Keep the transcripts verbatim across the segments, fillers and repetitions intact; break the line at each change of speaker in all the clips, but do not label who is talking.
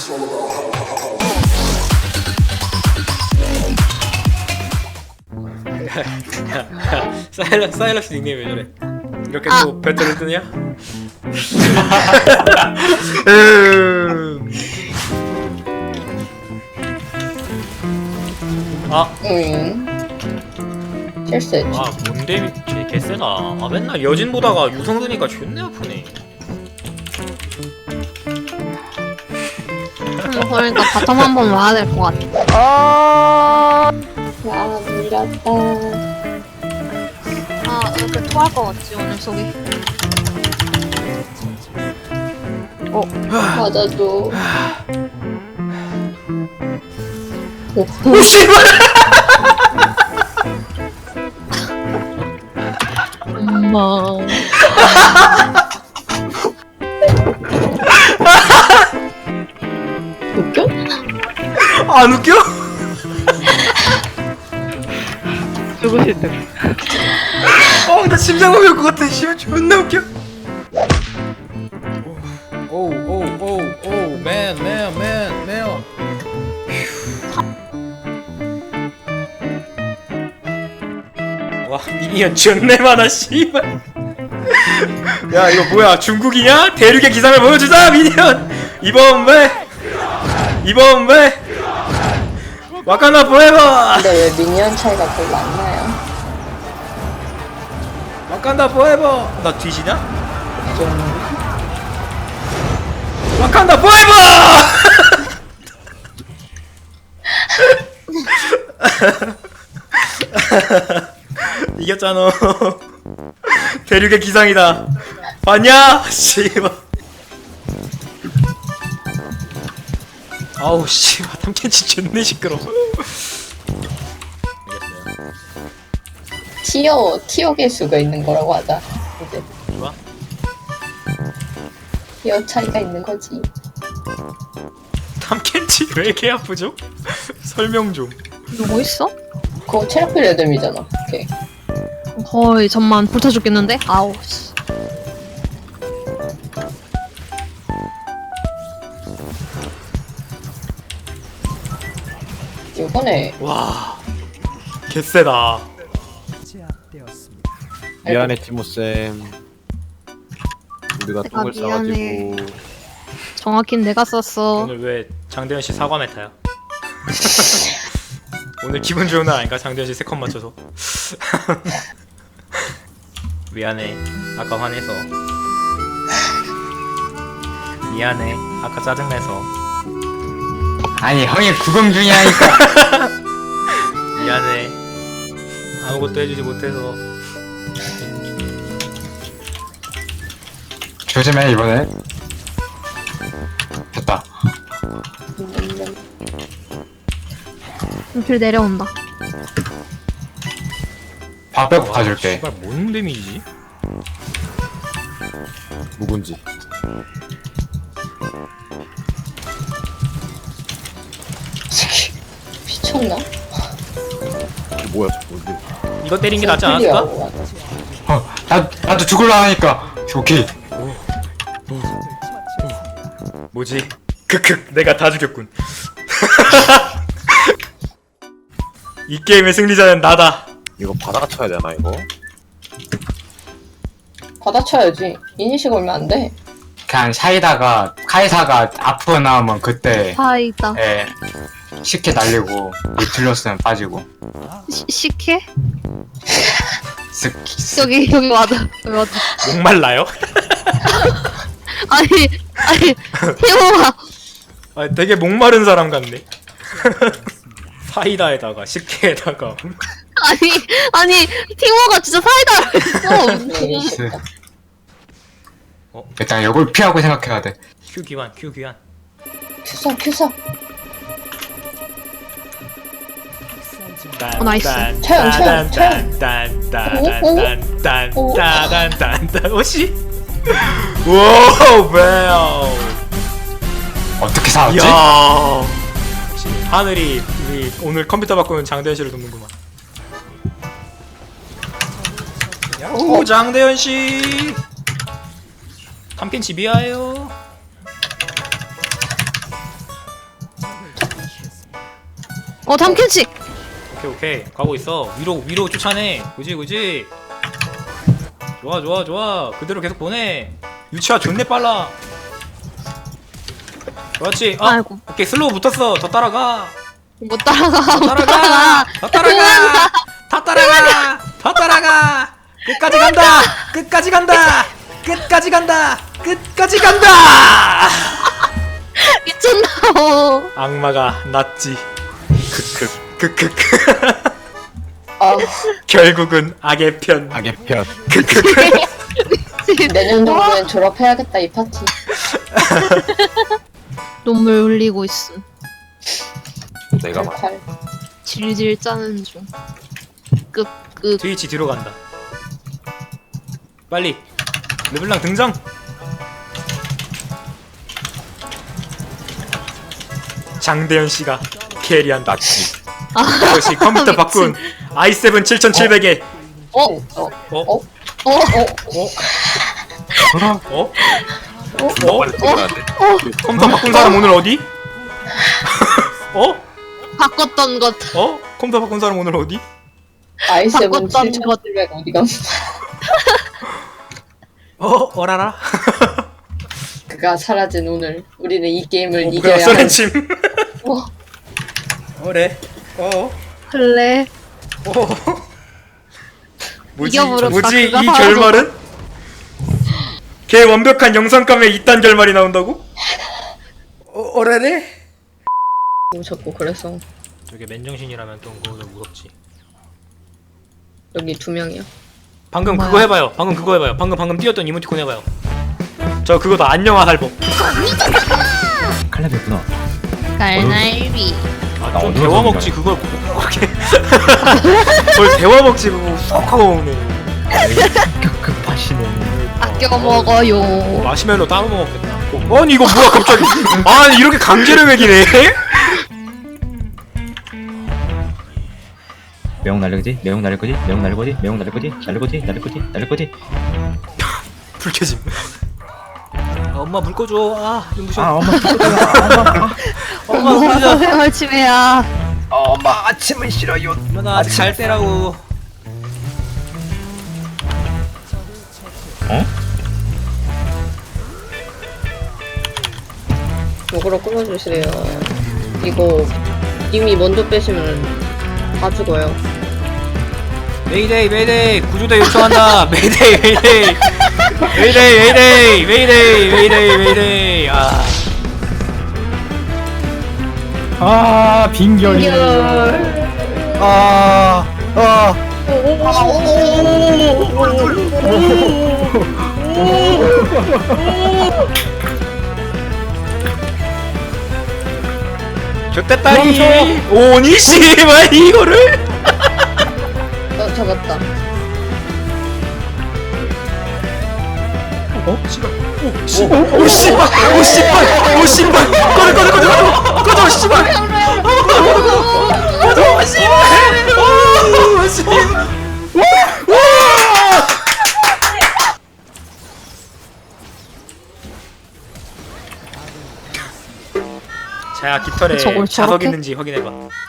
사일러, 사일러스 닉네임 왜 저래? 이렇게
아.
또 배틀을 뜨냐? 음. 아,
응. 실수했지.
아 뭔데 쟤 개쎄다. 아 맨날 여진 보다가 유성 드니까 존내 아프네.
음, 그러니까 바텀 한번 와야 될 것 같아.
아, 물렸다.
아, 이렇게 토할 것 같지, 오늘 속이.
어, 맞아줘. 오,
오 씨발!
엄마.
웃겨?
안 웃겨?
죽으실 때.
어, 나 심장마비 올것 같아. 씨발 존나 웃겨. 오우 오우 오우 오우 맨 맨 맨 맨. 와 미니언 존내 많아 씨발. 야 이거 뭐야 중국이냐? 대륙의 기상을 보여주자 미니언. 이번 왜? 이번 왜? 와카나 포에버.
근데 왜 미니언 차이가 별로 안 나요?
와칸다 포에버. 나 뒤지냐?
좀.
와칸다 포에버. 이겼잖아. 대륙의 기상이다. 봤냐? 씨발. 아우 씨발 탐켄치 존내 시끄러.
티어, 티어 개수가 있는 거라고 하자. 이제.
좋아?
티어 차이가 있는 거지.
탐켄치 왜 이렇게 아프죠? 설명 좀.
누구 있어?
그거 체력 필레뎀이잖아. 오케이.
거의 전만 불타 죽겠는데? 아우, 씨.
이번에
와 개쎄다.
미안해 티모쌤. 우리가
내가
똥을
미안해.
싸가지고
정확히는 내가 썼어.
오늘 왜 장대현 씨 사과 메타야? 오늘 기분 좋은 날 아닌가? 장대현 씨 세컨 맞춰서. 미안해. 아까 화내서. 미안해. 아까 짜증내서.
아니 형이 구경 중이라니까.
미안해. 아무것도 해주지 못해서.
조심해 이번에. 됐다.
길 내려온다.
밥 빼고
와,
가줄게.
씨발 뭔 데미지지?
묵은지.
미쳤나?
이게 뭐야 저거. 이게
이거 때린 게 낫지 않았을까?
어, 나 나도 죽을라 하니까. 오케이.
뭐지? 크크 내가 다 죽였군. 이 게임의 승리자는 나다.
이거 바다가 쳐야 되나 이거?
받아쳐야지. 이니시 걸면 안 돼.
그냥 사이다가 카이사가 앞으로 나오면 그때
사이다.
예 쉽게 날리고 틀렸으면 빠지고.
시, 식혜?
쓱 쓱.
여기, 여기 와도, 여기 와도.
목말라요?
아니, 아니, 태호가.
아, 되게 목마른 사람 같네. 사이다에다가 식혜에다가.
아니, 아니, 티모가 진짜 사이다를 했어.
네.
어?
일단 이걸 피하고 생각해야 돼.
큐 기환, 큐 기환.
큐사, 큐사.
어, 나이스.
차영, 차영, 차영.
딴딴딴딴딴딴딴딴딴. 오씨. 와우, 와우.
어떻게 살았지?
야. 역시 하늘이 우리 오늘 컴퓨터 바꾸는 장대현 씨를 돕는구만. 오, 장대현 씨. 탐켄치 미아예요.
어 탐켄치.
오케이 오케이 가고 있어. 위로 위로 쫓아내. 그지 그지. 좋아 좋아 좋아. 그대로 계속 보내. 유치아 존내 빨라. 그렇지. 아,
아이고.
오케이 슬로우 붙었어. 더 따라가.
못 따라가.
더
못
따라가.
따라가.
더 따라가. 더 따라가. 더 따라가. 끝까지 간다. 끝까지 간다. 끝까지 간다. 끝까지 간다.
미쳤나.
악마가 낫지. 크크 크크크.
아,
결국은 악의 편.
악의 편.
내년 정도엔 졸업해야겠다, 이 파티.
눈물 흘리고 있음.
내가 말.
잘.
질질 짜는 중. 끄끄.
트위치 뒤로 간다. 빨리 르블랑 등장. 장대현 씨가 캐리한다.
낫지.
역시 컴퓨터 바꾼 아이 세븐 칠천칠백에
어?
어?
어?
어?
어?
어?
어?
존나 빨리 들어가는데.
컴퓨터 바꾼 사람 오늘 어디? 어?
바꿨던 것.
어? 컴퓨터 바꾼 사람 오늘 어디?
아이 세븐
바꿨던
칠천칠백 어디가?
어? 어라라?
그가 사라진 오늘 우리는 이 게임을
어, 뭐야
이겨야 할.
소렌침.
어,
어래? 어?
그래.
어? 뭐지?
이겨버렸다.
뭐지? 이
그가
결말은? 걔 완벽한 영상감에 이딴 결말이 나온다고? 어, 어래래?
자꾸 그래서
저게 맨정신이라면 또 그거도 무섭지.
여기 두 명이야.
방금
뭐야?
그거 해봐요. 방금 그거 해봐요. 방금 방금 뛰었던 이모티콘 해봐요. 저 그거다 안녕하 할법.
칼렙이었구나.
갈날비.
아,
나
좀
어디로
데워 먹지 그걸 그렇게. 뭘 데워 먹지 그거 쏙 하고 먹네.
급 급하시네.
아껴 먹어요.
마시멜로 따로 먹었겠다. 어, 아니 이거 뭐야 갑자기? 아니 이렇게 강제를 먹이네.
매운 날릴 거지? 매운 날릴 거지? 매운 날릴 거지? 매운 날릴 거지? 날릴 거지? 날릴 거지? 날릴 거지?
불 켜짐. 아, 엄마 물 꺼줘. 아 눈부셔.
아 엄마 엄마
엄마 물 꺼줘.
생활치매야.
엄마 아침은 싫어요.
엄마 나잘 때라고.
어?
요거로 끊어주시래요. 이거 이미 먼저 빼시면 다 죽어요.
메이데이 메이데이 구조대 요청한다. 메이데이 메이데이 메이데이 메이데이 메이데이 메이데이 메이데이. 아
아 빈결이.
아, 아. 좋댔다리. 오니 씨발 이거를.
어, 잡았다.
어? 씨발. 오, 씨발. 오, 씨발. 오, 씨발. 오, 씨발. 꺼져, 꺼져, 꺼져, 꺼져. 꺼져, 씨발. 꺼져, 씨발. 오, 씨발. 자, 깃털에
저걸
자석
저렇게?
있는지 확인해봐.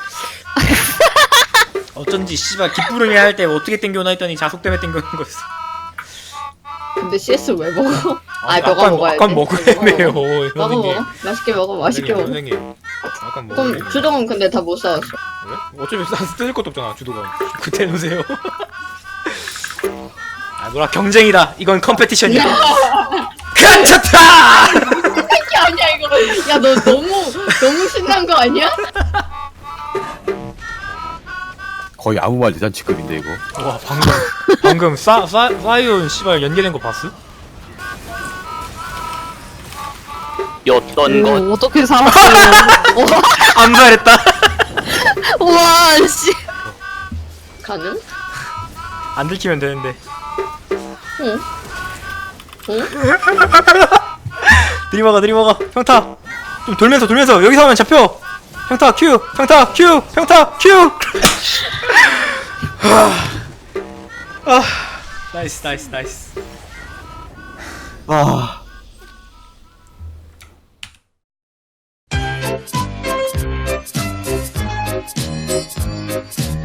어쩐지 씨발 깃부릉이 할 때 어떻게 땡겨오나 했더니 자석 때문에 땡겨오는 거였어.
근데 씨에스 왜 먹어? 아,
아니,
너가
아까-
먹어야지.
아까 먹으래매요,
너가
선생님.
먹어. 맛있게 먹어. 맛있게 먹어.
선생님. 아까
그럼
먹으래매요.
주동은 근데 다 못 사왔어.
그래? 어차피 싸서 뜯을 것도 없잖아 주도가. 그때 놓으세요. 아 뭐라 경쟁이다. 이건 컴페티션이야. 괜찮다.
이게 아니야 이거. 야 너 너무 너무 신난 거 아니야?
거의 아무 말 대잔치급인데 이거.
와 방금 방금 싸, 싸, 사이온 씨발 연계된 거 봤어?
였던 것
오, 어떻게 살았어요?
암살했다.
우와 씨.
가능?
안 들키면 되는데.
응. 응?
들이먹어 들이먹어. 평타. 좀 돌면서 돌면서 여기서 하면 잡혀. 평타 큐. 평타 큐. 평타 큐. 아. 아. 나이스 나이스 나이스.
아.
아